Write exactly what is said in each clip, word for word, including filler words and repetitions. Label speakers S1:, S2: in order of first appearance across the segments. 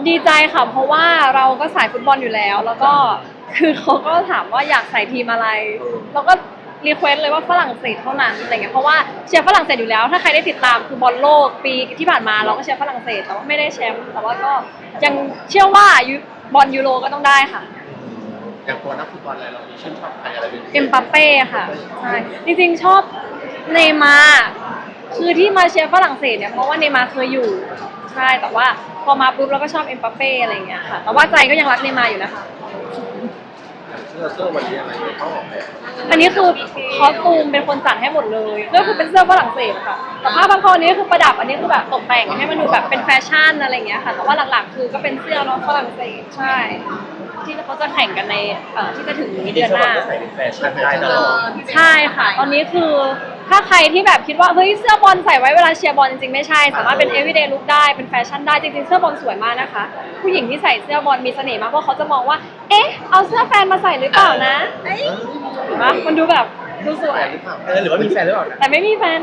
S1: ดีใจค่ะเพราะว่าเราก็สายฟุตบอลอยู่แล้วแล้วก็คือเขาก็ถามว่าอยากใส่ทีมอะไรเราก็รีเควสเลยว่าฝรั่งเศสเท่านั้นอะไรเงี้ยเพราะว่าเชียร์ฝรั่งเศสอยู่แล้วถ้าใครได้ติดตามคือบอลโลกปีที่ผ่านมาเราก็เชียร์ฝรั่งเศสแต่ว่าไม่ได้แชมป์แต่ว่าก็ยังเชื่อว่าบอลยูโรก็ต้องได้ค่ะ
S2: อย่างตัวนักฟุตบอลอะไรเรามีชื่นชอบใครอะไรเป็นพิเศษ
S1: เอ็มบัปเป้ค่ะใช่จริงๆชอบเนย์มาร์คือที่มาเชียร์ฝรั่งเศสเนี่ยเพราะว่าเนย์มาร์เคยอยู่ใช่แต่ว่าพอมาปุ๊บเราก็ชอบเอ็มบัปเป้อะไรอย่างเงี้ยค่ะแต่ว่าใจก็ยังรักเนย์มาร์อยู่นะคะ
S2: เสื้อเสื้อวันนี้อะไรเขาออกแบบ
S1: อันนี้คือคอสตูมเป็นคนจัดให้หมดเลยก็คือเป็นเสื้อฝรั่งเศสค่ะแต่ผ้าบางคอนี้คือประดับอันนี้คือแบบตกแต่งให้มันดูแบบเป็นแฟชั่นอะไรอย่างเงี้ยค่ะแต่ว่าหลักๆคือก็เป็นเสื้อน้องฝรั่งเศสใช่ที่เขาจะแข่งกันในเอ่อที่จะถึงเดือนหน้า
S3: ใส่เป็นแฟชั่นได้ตลอด
S1: ใช่ค่ะตอนนี้คือถ้าใครที่แบบคิดว่าเฮ้ยเสื้อบอลใส่ไว้เวลาเชียร์บอลจริงๆไม่ใช่สามารถเป็น everyday look ได้เป็นแฟชั่นได้จริงๆเสื้อบอลสวยมากนะคะผู้หญิงที่ใส่เสื้อบอลมีเสน่ห์มากเพราะเขาจะมองว่าเอ๊ะเอาเสื้อแฟนมาใส่หรือเปล่านะเห็นปะมันดูแบบดูสวย
S3: หรือว่ามีแฟนหรือเปล่า
S1: แต่ไม่มีแฟน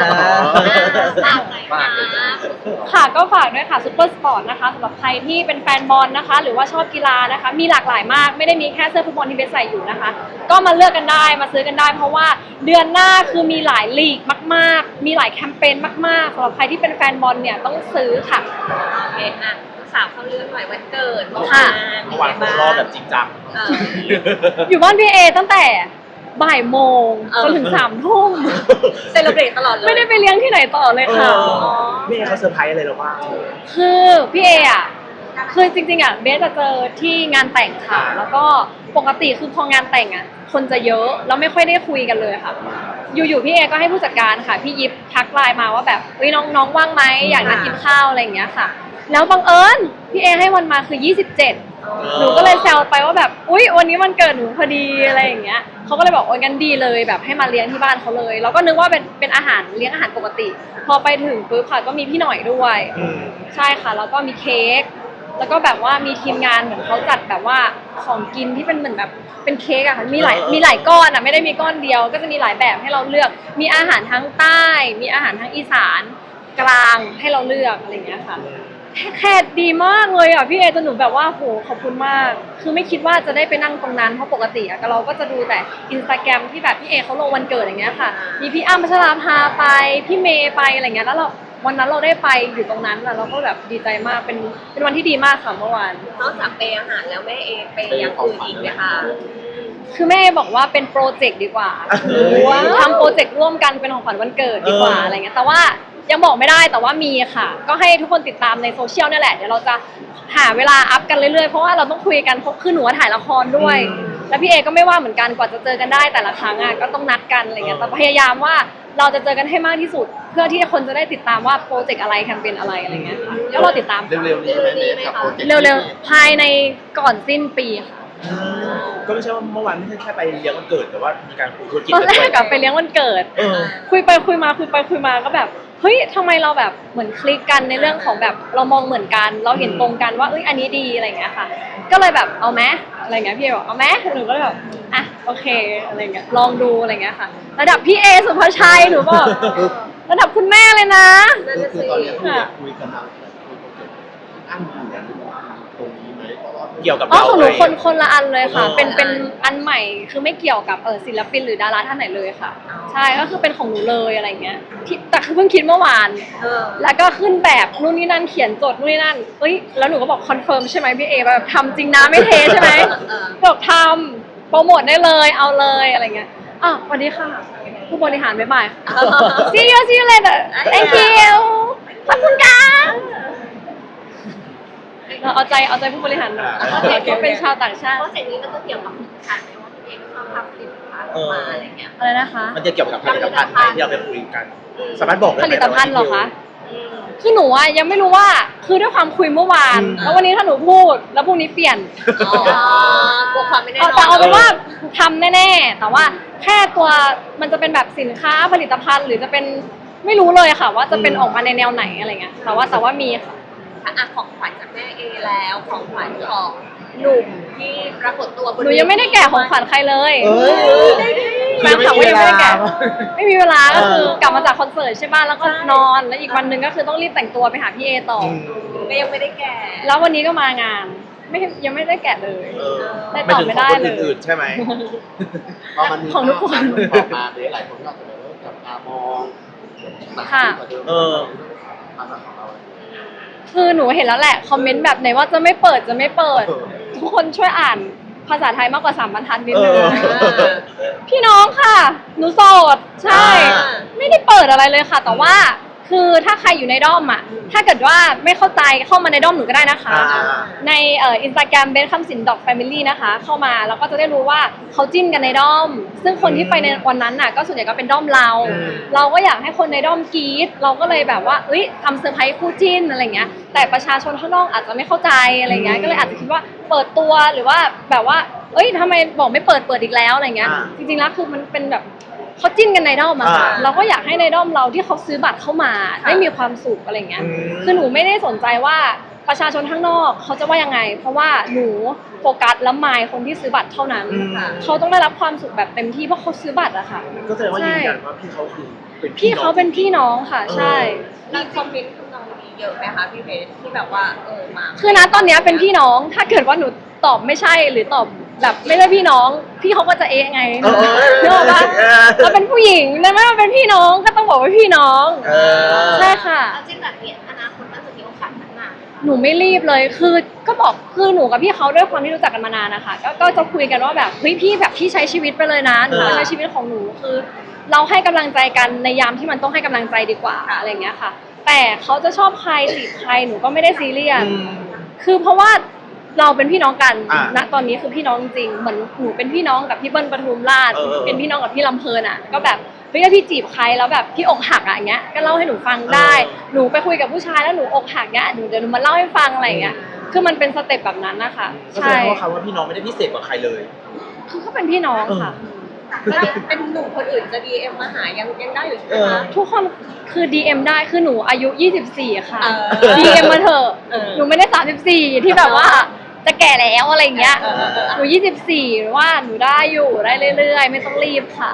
S1: ค่ะก็ฝากด้วยค่ะซุปเปอร์สปอร์ตนะคะสำหรับใครที่เป็นแฟนบอลนะคะหรือว่าชอบกีฬานะคะมีหลากหลายมากไม่ได้มีแค่เสื้อฟุตบอลที่เบสใส่อยู่นะคะก็มาเลือกกันได้มาซื้อกันได้เพราะว่าเดือนหน้าคือมีหลายลีกมากๆมีหลายแคมเปญมากๆสำหรับใครที่เป็นแฟนบอลเนี่ยต้องซื้อค่ะ
S4: โอเคอ่ะสาวเขาเลื่อนหน่อยวันเกิดเมื่อวา
S1: ค่ะ
S4: น
S3: เมื่อวานผมรอแบบจริงจัง
S1: อยู่บ้านพี่เอตั้งแต่บ่ายโมงจนถึงสามทุ่ม
S4: เซเลบรตตลอดเลย
S1: ไม่ได้ไปเลี้ยงที่ไหนต่อเลยค่ะ
S3: พี่เอเขาเซอร์ไพรส์อะไรเราบ้าง
S1: คือพี่เออ่ะคือจริงๆอ่ะเบสจะเจอที่งานแต่งค่ะแล้วก็ปกติคือพองานแต่งอ่ะคนจะเยอะแล้วไม่ค่อยได้คุยกันเลยค่ะอยู่ๆพี่เอก็ให้ผู้จัดการค่ะพี่ยิปทักไลน์มาว่าแบบเฮ้ยน้องๆว่างไหมอยากนัดกินข้าวอะไรอย่างเงี้ยค่ะแล้วบังเอิญพี่เอให้วันมาคือยี่สิบเจ็ดหนูก็เลยแซวไปว่าแบบอุ๊ยวันนี้วันเกิดหนูพอดีอะไรอย่างเงี้ยเขาก็เลยบอกโอ้ยงั้นดีเลยแบบให้มาเลี้ยงที่บ้านเขาเลยแล้วก็นึกว่าเป็นเป็นอาหารเลี้ยงอาหารปกติพอไปถึงปุ๊บค่ะก็มีพี่หน่อยด้วยใช่ค่ะแล้วก็มีเค้กแล้วก็แบบว่ามีทีมงานเหมือนเขาจัดแบบว่าของกินที่เป็นเหมือนแบบเป็นเค้กอะค่ะมีหลายมีหลายก้อนอะไม่ได้มีก้อนเดียวก็จะมีหลายแบบให้เราเลือกมีอาหารทั้งใต้มีอาหารทั้งอีสานกลางให้เราเลือกอะไรอย่างเงี้ยค่ะแขกดีมากเลยอ่ะพี่เอจนหนูแบบว่าโหขอบคุณมากคือไม่คิดว่าจะได้ไปนั่งตรงนั้นเพราะปกติอะเราก็จะดูแต่อินสตาแกรมที่แบบพี่เอเขาลงวันเกิดอย่างเงี้ยค่ะมีพี่อ้ำพัชราภาไปพี่เมย์ไปอะไรเงี้ยแล้วเราวันนั้นเราได้ไปอยู่ตรงนั้นแล้วเราก็แบบดีใจมากเป็นเป็นวันที่ดีมากค่ะเมื่อวาน
S4: นอกจากเปย์อาหารแล้วแม่เอเปย์อย่างอื่นอีกไหมคะ
S1: คือแม่บอกว่าเป็นโปรเจกต์ดีกว่าทำโปรเจกต์ร่วมกันเป็นของขวัญวันเกิดดีกว่าอะไรเงี้ยแต่ว่ายังบอกไม่ได้แต่ว่ามีค่ะก็ให้ทุกคนติดตามในโซเชียลนี่แหละเดี๋ยวเราจะหาเวลาอัพกันเรื่อยๆเพราะว่าเราต้องคุยกันเพราะคือหนูถ่ายละครด้วยแล้วพี่เอก็ไม่ว่าเหมือนกันกว่าจะเจอกันได้แต่ละครั้งอ่ะก็ต้องนัดกันอะไรเงี้ยแต่พยายามว่าเราจะเจอกันให้มากที่สุดเพื่อที่คนจะได้ติดตามว่าโปรเจกต์อะไรแคมเปญอะไรอะไรเงี้ยค่ะแล้วเราติดตาม
S2: เร็วๆนี้ไหมกับโปรเจกต์
S1: เร็วๆภายในก่อนสิ้นปีค่ะ
S3: ก็ไม่ใช่ว่าเมื่อวานไม่ใช่แค่ไปเลี้ยงวันเกิดแต่ว่ามีการคุยธุรกิจ
S1: ตอนแรกกับไปเลี้ยงวันเกิดคุยไปคุยมาคุยไปคุยมาก็แบบเฮ้ยทำไมเราแบบเหมือนคลิกกันในเรื่องของแบบเรามองเหมือนกันเราเห็นตรงกันว่าเอ้ยอันนี้ดีอะไรเงี้ยค่ะก็เลยแบบเอาไหมอะไรเงี้ยพี่บอกเอาไหมหนูก็เลยแบบอ่ะโอเคอะไรเงี้ยลองดูอะไรเงี้ยค่ะระดับพี่เอสุภาชัยหนูบอกระดับคุณแม่เลยนะ
S2: คือตอนนี้คุยกันทางคุยโปรเจกต์อันอยู่กันตรงนี้ไหม
S3: เกี่ยวกับ
S1: อ๋อของหนูคนคนละอันเลยค่ะเป็นเป็นอันใหม่คือไม่เกี่ยวกับเออศิลปินหรือดาราท่านไหนเลยค่ะใช่ก็คือเป็นของหนูเลยอะไรเงี้ยที่แต่คือเพิ่งคิดเมื่อวานแล้วก็ขึ้นแบบนู่นนี่นั่นเขียนจดนู่นนี่นั่นเอ้ยแล้วหนูก็บอกคอนเฟิร์มใช่ไหมพี่เอแบบทำจริงนะไม่เทใช่ไหมบอกทำโปรโมทได้เลยเอาเลยอะไรเงี้ยอ่ะสวัสดีค่ะผู้บริหารบ๊ายบาย see you see you later thank you ขอบคุณค่ะเราเอาใจเอาใจผู้บริหารหน่อยเขาเป็นชาวต่างชาติ
S4: เพราะสิ่งนี้ก็จะเกี่ยวกับผลิตภัณฑ์ไหมว่าพี่เอก็ชอบทำผลิตภัณฑ์มาอะไรเงี้ย
S1: อะไรนะคะ
S3: มันจะเกี่ยวกับผลิตภัณฑ์ไหมที่เราไปคุยกันสามารถบอกได้ไหม
S1: ผลิตภัณฑ์หรอคะคือหนูอะยังไม่รู้ว่าคือด้วยความคุยเมื่อวานแล้ววันนี้ถ้าหนูพูดแล้วพรุ่งนี้เปลี่ยน
S4: กลัวความไม่แน่นอน
S1: แต่เอาเป็นว่าทำแน่ๆแต่ว่าแค่ตัวมันจะเป็นแบบสินค้าผลิตภัณฑ์หรือจะเป็นไม่รู้เลยค่ะว่าจะเป็นออกมาในแนวไหนอะไรเงี้ยแต่ว่าแต่ว่ามีค่ะ
S4: อ่ะของขวัญจากแม่เอแล้วของขวัญของหนุ่มที่ปรากฏตัวบน
S1: หนูยังไม่ได้แกะของขวัญใครเลยแฟนคลับก็ยังไม่ได้แกะไม่มีเวลาก็คือกลับมาจากคอนเสิร์ตใช่ป่ะแล้วก็นอนแล้วอีกวันหนึ่งก็คือต้องรีบแต่งตัวไปหาพี่เอต่อ
S4: ก็ยังไม่ได้แก่
S1: แล้ววันนี้ก็มางานไม่ยังไม่ได้แกะเลย
S3: เออ
S1: ได้ตอบไม่ได้
S3: หายถึงของคน
S1: เลย
S3: อื่นๆใช่ไหม
S2: พอมันมี
S1: ของทุกคน
S2: ภาพออกมาเนี่ยหลายคนก็อาจจะแบบว่าจับตามองหนัก
S1: ค่ะ
S2: กว่าเดิม
S3: เออ
S2: ฐานะของเรา
S1: คือหนูเห็นแล้วแหละคอมเมนต์แบบไหนว่าจะไม่เปิดจะไม่เปิด ทุกคนช่วยอ่านภาษาไทยมากกว่าสามบรรทัดนิดนึง
S3: เออ
S1: พี่น้องค่ะ หนูโสดใช่
S3: อ่า
S1: ไม่ได้เปิดอะไรเลยค่ะ แต่ว่าคือถ้าใครอยู่ในด้อมอ่ะ ถ้าเกิดว่าไม่เข้าใจเข้ามาในด้อมหนูก็ได้นะคะ
S3: อ่า
S1: ในเอ่ออินสตาแกรมเบนคำสินดอกแฟมิลี่นะคะ เข้ามาแล้วก็จะได้รู้ว่าเขาจิ้นกันในด้อม ซึ่งคนที่ไปในวันนั้นน่ะก็ส่วนใหญ่ก็เป็นด้อมเรา
S3: อืม
S1: เราก็อยากให้คนในด้อมกรี๊ดเราก็เลยแบบว่าเอ้ยทำเซอร์ไพรส์คู่จิ้นอะไรเงี้ยแต่ประชาชนข้างนอกอาจจะไม่เข้าใจอะไรเงี้ยก็เลยอาจจะคิดว่าเปิดตัวหรือว่าแบบว่าเอ้ยทำไมบอกไม่เปิดเปิดอีกแล้วอะไรเงี้ย
S3: อ่า
S1: จริงๆแล้วคือมันเป็นแบบเขาจิ้นกันในด้อมอะค่ะ
S3: อ่า
S1: เราก็อยากให้ในด้อมเราที่เขาซื้อบัตรเข้ามาได้มีความสุขอะไรเงี้ย
S3: อืม
S1: คือหนูไม่ได้สนใจว่าประชาชนข้างนอกเขาจะว่ายังไง เพราะว่าหนูโฟกัสและมายคนที่ซื้อบัตรเท่านั้น
S3: อืม
S1: เขาต้องได้รับความสุขแบบเต็มที่เพราะเขาซื้อบัตรอะค่ะ
S3: ก็แสดงว่ายืนยันว่าพี่เขาคือเป็น
S1: พี่เขาเป็นพี่น้องค่ะ
S3: เออ
S1: ใช่
S4: มีคอมเมนต์ทำนองนี้เยอะไหมคะพี่เพชรที่แบบว่าเออมา
S1: คือนะตอนเนี้ยเป็นพี่น้อง ถ้าเกิดว่าหนูตอบไม่ใช่หรือตอบแบบไม่ใช่พี่น้อง พี่เขาก็จะเอะไง
S3: เออ
S1: นึกออกปะ
S3: เออ
S1: เราเป็นผู้หญิงนั่นไม่ว่าเป็นพี่น้องก็ต้องบอกว่าพี่น้อง
S3: เออ
S1: ใช่ค่ะ
S5: เอาจริงแบบนี้อนาคตมันจะมีโอกาสพัฒนา
S1: หนูไม่รีบเลย คือก็บอก คือหนูกับพี่เขาด้วยความที่รู้จักกันมานานนะคะ ก็ก็จะคุยกันว่าแบบ เฮ้ยพี่แบบพี่ใช้ชีวิตไปเลยนะ หนู
S3: เออ
S1: ใช้ชีวิตของหนู คือ เราให้กำลังใจกันในยามที่มันต้องให้กำลังใจดีกว่าอะไรอย่างเงี้ยค่ะ แต่เขาจะชอบใครจีบใครหนูก็ไม่ได้ซีเรียส
S3: อืม
S1: คือเพราะว่าเราเป็นพี่น้องกัน
S3: อ่า
S1: ณ ตอนนี้คือพี่น้องจริงๆเหมือนหนูเป็นพี่น้องกับพี่เบิ้ลปทุมราช
S3: เออเออ
S1: เป็นพี่น้องกับพี่ลำเพลินอ่ะ ก็แบบเฮ้ยถ้าพี่จีบใครแล้วแบบพี่อกหักอ่ะอย่างเงี้ย ก็เล่าให้หนูฟังได้
S3: เออ
S1: หนูไปคุยกับผู้ชายแล้วหนูอกหักเงี้ยหนูเดี๋ยวหนูมาเล่าให้ฟังอะไรอย่างเงี้ย คือมันเป็นสเต็ปแบบนั้นนะคะ
S3: ก็แสด
S1: ใช่
S3: งว่าคำว่าพี่น้องไม่ได้พิเศษกว่าใครเลย
S1: คือเขาเป็นพี่น้องค่ะ
S4: แล้วเป็นหนุ่มคนอื่นจะ ดี เอ็ม มาหายังยังได้อยู่ใช่ไหม
S3: เออ
S4: คะ
S1: ทุกคนคือ ดี เอ็ม ได้ คือหนูอายุ ยี่สิบสี่ ค่ะ
S4: เออ
S1: ดี เอ็ม มาเถอะ
S4: เออ
S1: หนูไม่ได้ สามสิบสี่ ที่แบบว่าจะแก่แล้วอะไรอย่างเงี้ย
S4: เออเออเออ
S1: หนู ยี่สิบสี่ หรือว่าหนูได้อยู่ได้เรื่อยๆ ไม่ต้องรีบค่ะ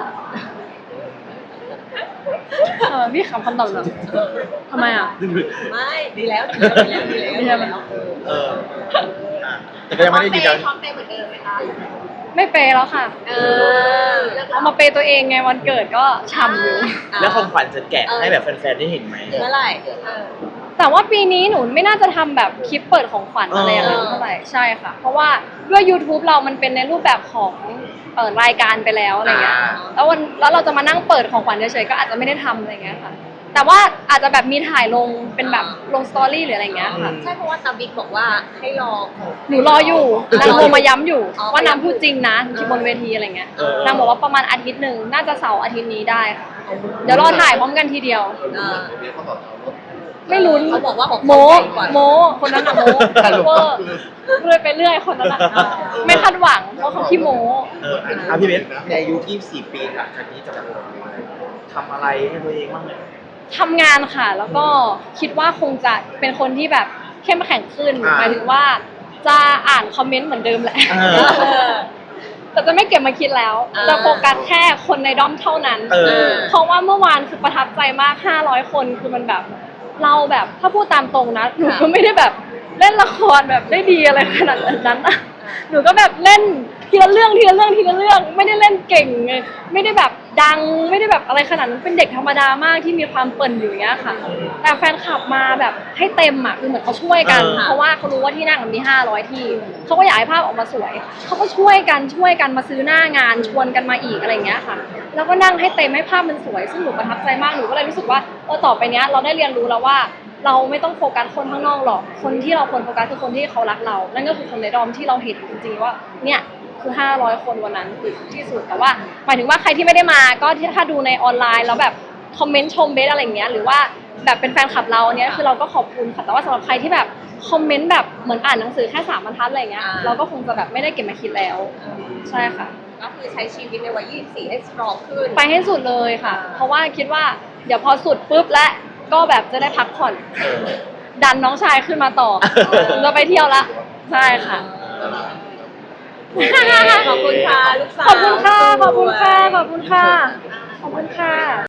S1: เออพี่ขำคำตอบหน่อยทำไมอ่ะ
S4: ไม่ดีแล้วดีแล้วดีแล้วดีแล้ว
S1: ดีแล้ว
S3: เอออ่ะแต่ก็ยังไม่ได้ยืนยัน
S5: พร้อมเปย์เหมือนเดิมไหมคะ
S1: ไม่เปย์แล้วค่ะ
S4: เออ
S1: เอามาเปย์ตัวเองไงวันเกิดก็ช่ำอยู่
S3: แล้วของขวัญจะแกะให้แบบแฟนๆได้เห็นไหม
S4: เมื่อไหร่เออ
S1: แต่ว่าปีนี้หนูไม่น่าจะทำแบบคลิปเปิดของขวัญอะไรอย่างนั้น
S4: เออ
S1: เท่าไหร่ใช่ค่ะ เพราะว่าด้วย YouTube เรามันเป็นในรูปแบบของเปิดรายการไปแล้วอะไรเงี้ย
S3: อ่า
S1: แล้ววันแล้วเราจะมานั่งเปิดของขวัญเฉยๆก็อาจจะไม่ได้ทำอะไรเงี้ยค่ะ แต่ว่าอาจจะแบบมีถ่ายลงเป็นแบบลงสตอรี่หรืออะไรเงี้ยค่ะ
S4: ใช่เพราะว่าตาบิ๊กบอกว่าให้รอของ
S1: หนูรออยู่นางโทรมาย้ำอยู่
S4: อ๋อ
S1: ว่านางพูดจริงนะที่บนเวทีอะไรเงี้ย
S3: เออ
S1: นางบอกว่าประมาณอาทิตย์หนึ่งน่าจะเสาร์อาทิตย์นี้ได้ค่ะเดี๋ยวรอถ่ายพร้อมกันทีเดียว
S4: เออ
S2: เดี๋ยวเขาบอกเอารถ
S1: ไม่ลุ้น
S4: เขาบอกว่าของ
S1: โม
S4: เขาใหญ่กว่า
S1: โมคนนั้นอะโม
S2: สรุป
S1: เวอ
S2: ก็
S1: ร์
S2: คือ
S1: เรื่อยไปเรื่อยคนนั้นอะไม่คาดหวังเพราะเขาขี้โม
S3: เอออ่ะพี่เบสในอายุยี่สิบสี่ปีหลังจากนี้จะแบบทำอะไรให้ตัวเองบ้างไหม
S1: ทำงานค่ะ แล้วก็คิดว่าคงจะเป็นคนที่แบบเข้มแข็งขึ้น
S3: อ่า
S1: หมายถึงว่าจะอ่านคอมเมนต์เหมือนเดิมแหละ
S3: เออ
S4: เออ
S1: แต่จะไม่เก็บมาคิดแล้ว
S4: อ่า
S1: จะโฟกัสแค่คนในด้อมเท่านั้น
S3: เออ
S1: เพราะว่าเมื่อวานคือประทับใจมากห้าร้อยคนคือมันแบบ เราแบบถ้าพูดตามตรงนะหนูก็ไม่ได้แบบเล่นละครแบบได้ดีอะไรขนาดนั้นนะหนูก็แบบเล่นทีละเรื่องทีละเรื่องทีละเรื่องไม่ได้เล่นเก่งไงไม่ได้แบบดังไม่ได้แบบอะไรขนาดนั้นเป็นเด็กธรรมดามากที่มีความเปิ่นอยู่อย่างเงี้ยค่ะ แต่แฟนคลับมาแบบให้เต็มอ่ะคือเหมือนเขาช่วยกัน
S3: เออ
S1: เพราะว่าเขารู้ว่าที่นั่งมันมีห้าร้อยที่เขาก็อยากให้ภาพออกมาสวยเขาก็ช่วยกันช่วยกันมาซื้อหน้างานชวนกันมาอีกอะไรอย่างเงี้ยค่ะ แล้วก็นั่งให้เต็มให้ภาพมันสวยซึ่งหนูประทับใจมากหนูก็เลยรู้สึกว่าเออต่อไปเนี้ยเราได้เรียนรู้แล้วว่า เราไม่ต้องโฟกัสคนข้างนอกหรอก คนที่เราควรโฟกัสคือคนที่เขารักเรา นั่นก็คือคนในดอมที่เราเห็นจริงๆว่า เนี่ยคือห้าร้อยคนวันนั้นคือที่สุด แต่ว่าหมายถึงว่าใครที่ไม่ได้มา ก็ที่ถ้าดูในออนไลน์แล้วแบบคอมเมนต์ชมเบสอะไรอย่างเงี้ย หรือว่าแบบเป็นแฟนคลับเราเนี้ยคือเราก็ขอบคุณค่ะ แต่ว่าสำหรับใครที่แบบคอมเมนต์แบบเหมือนอ่านหนังสือแค่สามบรรทัดอะไรเงี้ย
S4: อ่า
S1: เราก็คงจะแบบไม่ได้เก็บมาคิดแล้ว ใช่ค่ะ
S4: ก็คือใช้ชีวิตในวัยยี่สิบสี่ให้สตรองขึ้น
S1: ไปให้สุดเลยค่ะ เพราะว่าคิดว่าเดี๋ยวพอสุดปุ๊บและก็แบบจะได้พักผ่อน
S3: เออ
S1: ดันน้องชายขึ้นมาต่อ เราไปเที่ยวละ ใช่ค่ะ
S4: ขอบคุณค่ะลูกสาว
S1: ขอบคุณค่ะ ขอบคุณค่ะ ขอบคุณค่ะ ขอบคุณค่ะ